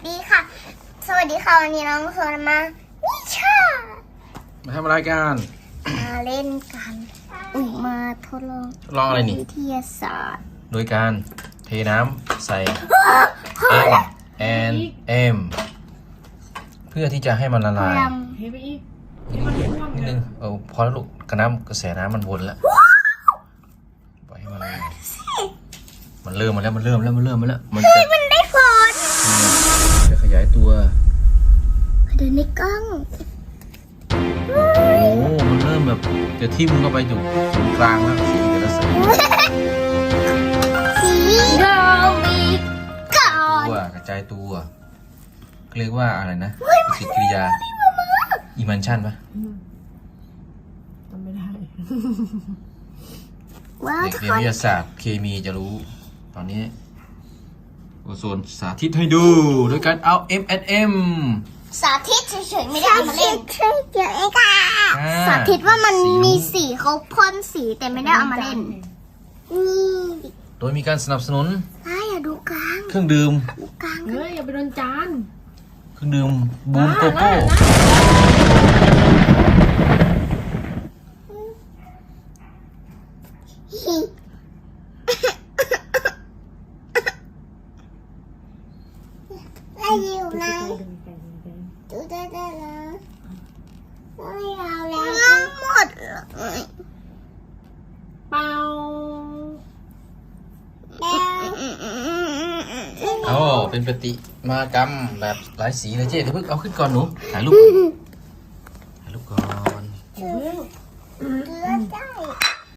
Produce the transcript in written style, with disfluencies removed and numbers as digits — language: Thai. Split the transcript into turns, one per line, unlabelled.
ดีค่ะ สวัสดีค่ะวันนี้น้องโซนมานิชา
มาทำอะไรกัน
มาเล่นกันมาทดลอง
ลองอะไรนี่
วิทยาศาสตร์
โดยการเทน้ำใส่ M and M เพื่อที่จะให้มันละลาย
เทไปอีกให้มันท่วม
นิด
เล
นึ
ย
งพอแล้วลูกกระแสน้ำมันวนแล้วปล่อยให้มันละลายมันเริ่มมาแล้วมันจะ
มันได้ผล
จะขยายตัว
เดินในกล้อง
โอ้โหมันเริ่มแบบจะทิ่มเข้าไปอยู่ตรงกลางแล้วสีแต่ละสี
สีเรามีก่อน
ตัวกระจายตัวเรียกว่าอะไรนะปฏิกิริยาอิมันชันปะ
ทำไม่ได้
ว้าว
เด็ก
ทุก
เรีย
คน น
วิทยาศาสตร์เคมีจะรู้ ตอนนี้โอโซนสาธิตให้ดู โดยการเอา M&M
สาธิตเฉยๆไม่ได้เอามาเล่นเฉยๆค่ะสาธิตว่ามันมีสีเขาพ่นสีแต่ไม่ได้เอามาเล่นนี่
โดยมีการสนับสนุน
อย่าดูกลาง
เครื่องดื่ม
ดูกลาง
เฮ้ยอย่าไปโดนจาน
เครื่องดื่มบูมโกโก้
ได้อยู่นะดูได้นะไม่เอาแล้วหมดเลย
เป่า
โอ้เป็นปฏิมากรรมแบบหลายสีเลยเจ๊เดี๋ยวเพิ่งเอาขึ้นก่อนหนูถ่ายรูปก่อน
เดี๋ยว
เลือดได้